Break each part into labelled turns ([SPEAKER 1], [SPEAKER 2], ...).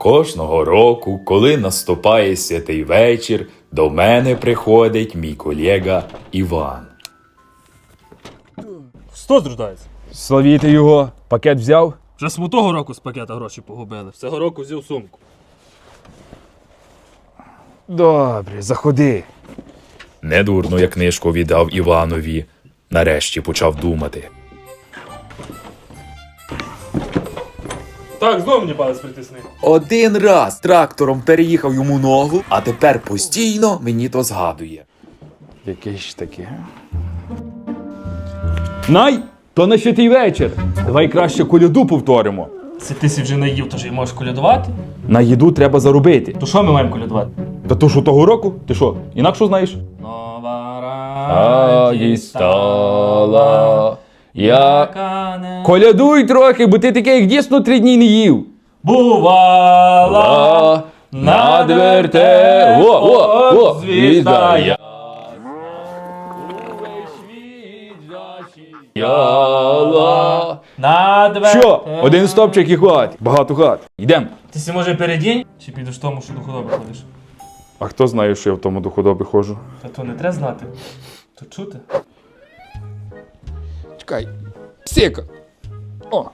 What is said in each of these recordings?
[SPEAKER 1] Кожного року, коли наступає святий вечір, до мене приходить мій колега Іван.
[SPEAKER 2] Що зрождається?
[SPEAKER 3] Славіти його. Пакет взяв?
[SPEAKER 2] Вже смутого року з пакета гроші погубили. Цього року взяв сумку.
[SPEAKER 3] Добре, заходи.
[SPEAKER 1] Недурно я книжку віддав Іванові. Нарешті почав думати.
[SPEAKER 2] Так, знову мені палець притисни.
[SPEAKER 1] Один раз трактором переїхав йому ногу, а тепер постійно мені то згадує.
[SPEAKER 3] Яке ж таке? Най, то на святий вечір. Давай краще коляду повторимо.
[SPEAKER 2] Це ти сі вже наїв, тож і можеш колядувати?
[SPEAKER 3] На їду треба заробити.
[SPEAKER 2] То що ми маємо колядувати?
[SPEAKER 3] Та то що того року? Ти що, інакше знаєш?
[SPEAKER 2] Нова
[SPEAKER 3] Радість стала,
[SPEAKER 2] яка не
[SPEAKER 3] Колядуй трохи, бо ти таке, як дійсно 3 дні не їв.
[SPEAKER 2] бувала
[SPEAKER 3] Над верте... О, звізда я. Яла. Що? Один стопчик і хватить. Багато хат. Йдем.
[SPEAKER 2] Ти сі може передінь? Чи підеш в тому, що до худоби ходиш?
[SPEAKER 3] А хто знає, що я в тому до худоби ходжу?
[SPEAKER 2] Та то не треба знати. То чути.
[SPEAKER 3] Чекай. Псика. О.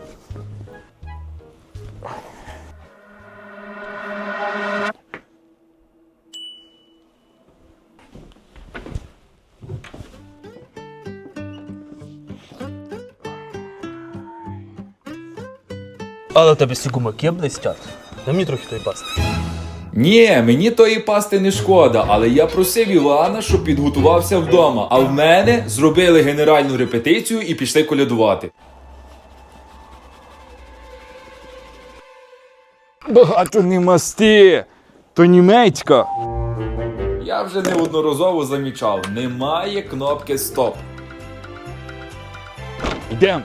[SPEAKER 2] Але у тебе всі гумаки блистять. Дай мені трохи тої пасти.
[SPEAKER 1] Ні, мені тої пасти не шкода, але я просив Івана, щоб підготувався вдома, а в мене зробили генеральну репетицію і пішли колядувати.
[SPEAKER 3] Багато не масти. То німецька.
[SPEAKER 1] Я вже неодноразово замічав, немає кнопки «Стоп».
[SPEAKER 3] Йдем.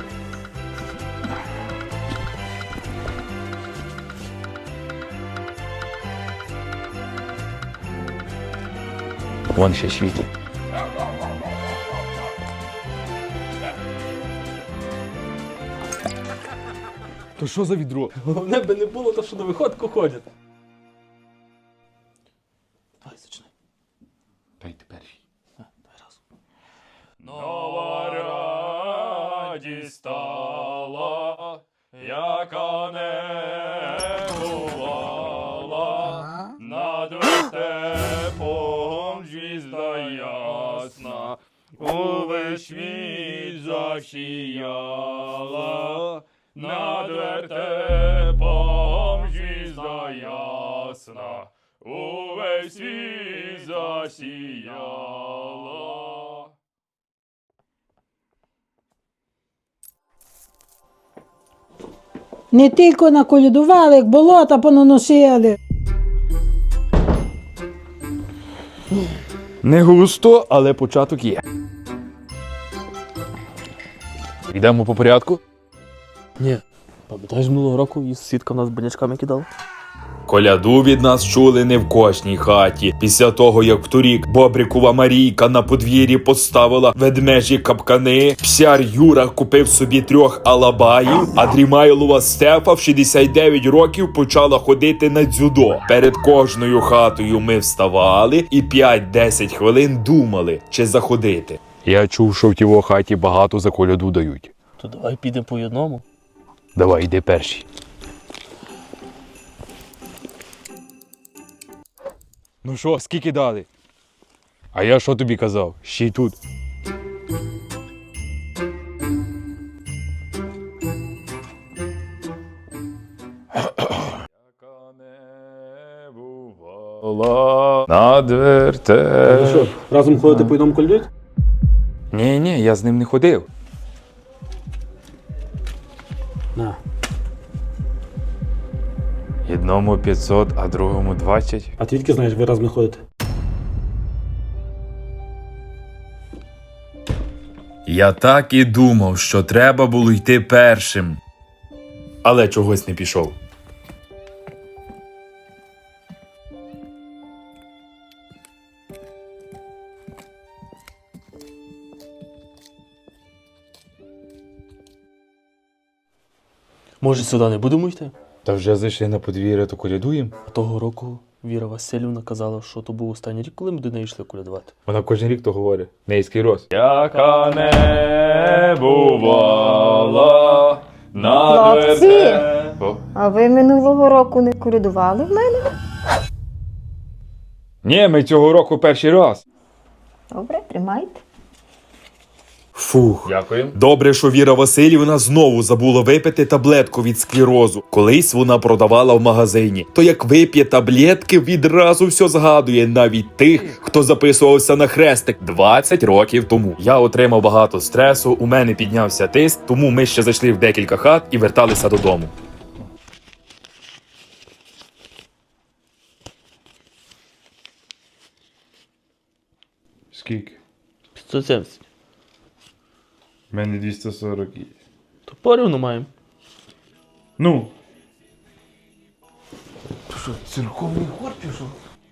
[SPEAKER 3] Вон ще світло. То що за відро?
[SPEAKER 2] Головне би не було, то що на виходку ходять. Давай, зачинай.
[SPEAKER 3] Дайте перший.
[SPEAKER 2] Давай разом. Нова радість стала, яка не бувала, над вертепом звізда ясна, увесь світ засіяла, над вертепом звізда ясна, увесь світ засіяла.
[SPEAKER 4] Не тільки наколядували, як болота понаносили.
[SPEAKER 3] Не густо, але початок є. Йдемо по порядку.
[SPEAKER 2] Ні. Пам'ятаєш, минулого року і сітка в нас банячками кидала?
[SPEAKER 1] Коляду від нас чули не в кожній хаті. Після того, як вторік Бобрикова Марійка на подвір'ї поставила ведмежі капкани, псяр Юра купив собі 3 алабаїв, а Дрімайлова Стефа в 69 років почала ходити на дзюдо. Перед кожною хатою ми вставали і 5-10 хвилин думали, чи заходити.
[SPEAKER 3] Я чув, що в тіво хаті багато за коляду дають.
[SPEAKER 2] То давай підемо по одному.
[SPEAKER 3] Давай, йди перший. Ну що, скільки дали? А я що тобі казав? Ще й тут.
[SPEAKER 1] Над верте...
[SPEAKER 5] Що, разом ходити по одному колядують?
[SPEAKER 3] Ні, я з ним не ходив.
[SPEAKER 5] На.
[SPEAKER 3] Одному 500, а другому 20.
[SPEAKER 5] А ти тільки знаєш, ви разом не ходите?
[SPEAKER 1] Я так і думав, що треба було йти першим. Але чогось не пішов.
[SPEAKER 2] Може, сюди не будемо йти?
[SPEAKER 3] Та вже зайшли на подвір'я, то колядуємо.
[SPEAKER 2] Того року Віра Васильівна казала, що то був останній рік, коли ми до неї йшли колядувати.
[SPEAKER 3] Вона кожен рік то говорить. Нейський роз. Яка не бувала на
[SPEAKER 6] Хлопці! А ви минулого року не колядували в мене?
[SPEAKER 3] Ні, ми цього року перший раз.
[SPEAKER 6] Добре, тримайте.
[SPEAKER 1] Фух.
[SPEAKER 3] Дякуємо.
[SPEAKER 1] Добре, що Віра Васильівна знову забула випити таблетку від склерозу. Колись вона продавала в магазині. То як вип'є таблетки, відразу все згадує, навіть тих, хто записувався на хрестик 20 років тому. Я отримав багато стресу, у мене піднявся тиск, тому ми ще зайшли в декілька хат і верталися додому.
[SPEAKER 3] Скільки?
[SPEAKER 2] 570.
[SPEAKER 3] У мене 240.
[SPEAKER 2] То порівну маємо.
[SPEAKER 3] Ну.
[SPEAKER 2] Що, церковний хор пішов?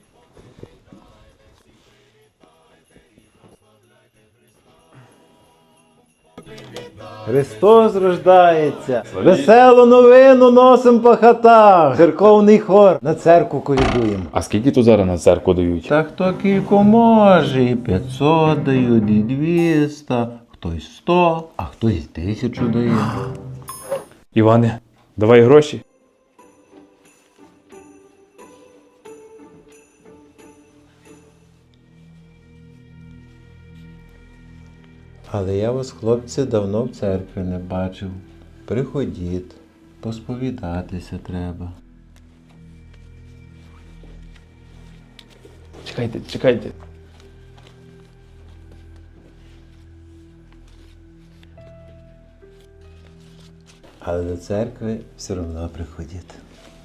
[SPEAKER 7] Христос рождається! Веселу новину носим по хатах! Церковний хор на церкву колядуємо.
[SPEAKER 3] А скільки тут зараз на церкву дають?
[SPEAKER 7] Та хто кілько може, і 500 дають, і 200, хтось 100, а хтось 1000 дає.
[SPEAKER 3] Іване, давай гроші.
[SPEAKER 7] Але я вас, хлопці, давно в церкві не бачив. Приходіть, посповідатися треба.
[SPEAKER 3] Чекайте, чекайте.
[SPEAKER 7] Але до церкви все одно приходіть.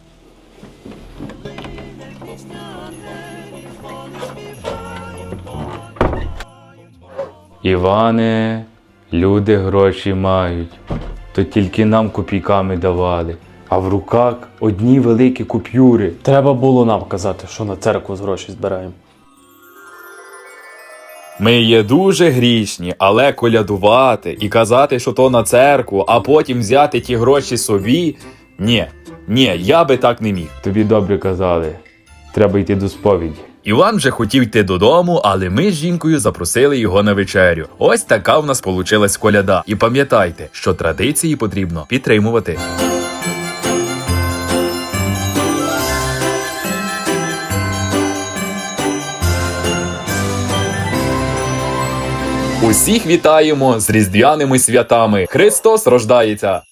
[SPEAKER 3] Іване, люди гроші мають, то тільки нам копійками давали, а в руках одні великі купюри.
[SPEAKER 2] Треба було нам казати, що на церкву з гроші збираємо.
[SPEAKER 1] Ми є дуже грішні, але колядувати і казати, що то на церкву, а потім взяти ті гроші собі – ні, я би так не міг.
[SPEAKER 3] Тобі добре казали, треба йти до сповіді.
[SPEAKER 1] Іван вже хотів йти додому, але ми з жінкою запросили його на вечерю. Ось така в нас получилась коляда. І пам'ятайте, що традиції потрібно підтримувати. Усіх вітаємо з різдвяними святами. Христос рождається!